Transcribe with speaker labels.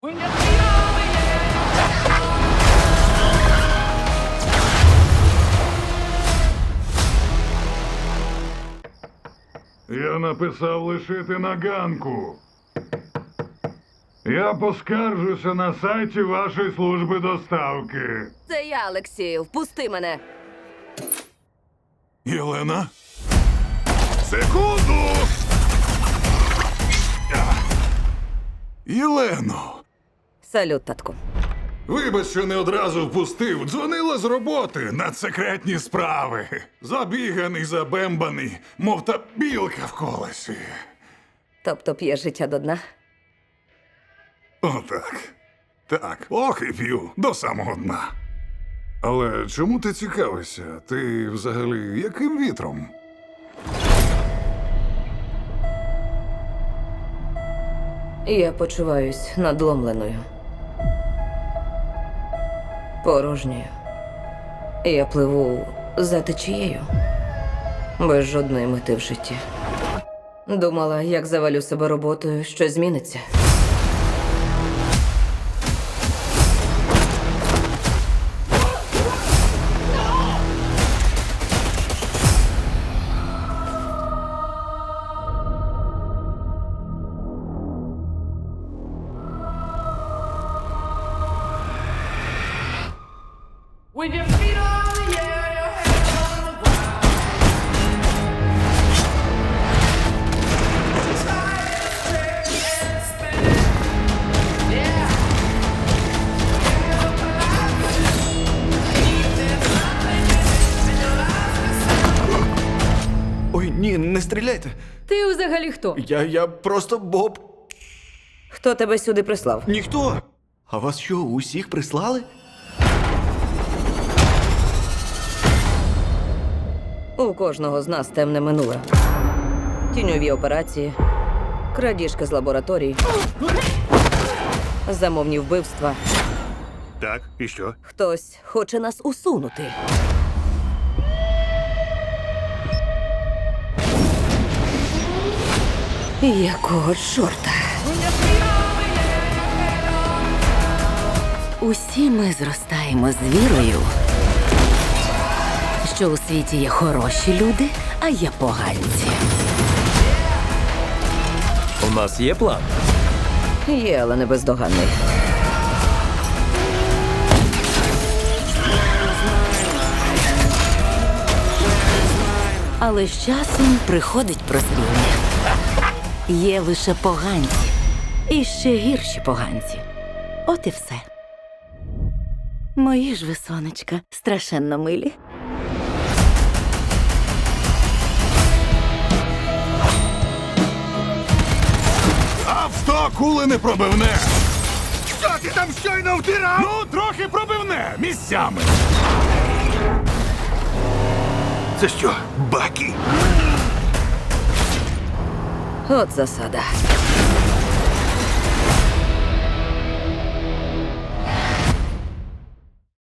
Speaker 1: Я написав лишити на ганку. Я поскаржуся на сайті вашої служби доставки.
Speaker 2: Це я, Олексію. Впусти мене.
Speaker 1: Єлена? Секунду! Єлено!
Speaker 2: Салют, татку.
Speaker 1: Вибач, що не одразу впустив. Дзвонила з роботи на секретні справи. Забіганий, забембаний, мов та білка в колесі.
Speaker 2: Тобто п'є життя до дна?
Speaker 1: Отак. Так, ох і п'ю, до самого дна. Але чому ти цікавишся? Ти взагалі яким вітром?
Speaker 2: Я почуваюсь надломленою. Порожньою. Я пливу за течією. Без жодної мети в житті. Думала, як завалю себе роботою, щось зміниться.
Speaker 3: With your feet on the air, your hands on the ground. Try and stretch and spin. Yeah. Feel collapse. There's nothing in your life.
Speaker 4: Ой, ні, не стріляйте.
Speaker 2: Ти взагалі хто?
Speaker 4: Я просто Боб.
Speaker 2: Хто тебе сюди прислав?
Speaker 4: Ніхто. А вас що, усіх прислали?
Speaker 2: У кожного з нас темне минуле. Тіньові операції, крадіжки з лабораторій, замовні вбивства.
Speaker 5: Так, і що?
Speaker 2: Хтось хоче нас усунути. Якого чорта?
Speaker 6: Усі ми зростаємо з вірою, що у світі є хороші люди, а є поганці.
Speaker 7: У нас є план.
Speaker 2: Є, але не бездоганний.
Speaker 6: Але з часом приходить прозріння. Є лише поганці. І ще гірші поганці. От і все. Мої ж ви, сонечка, страшенно милі.
Speaker 1: А в 100 кули не пробивне! Що ти там щойно втирав? Ну, трохи пробивне, місцями.
Speaker 5: Це що, Бакі?
Speaker 2: От засада.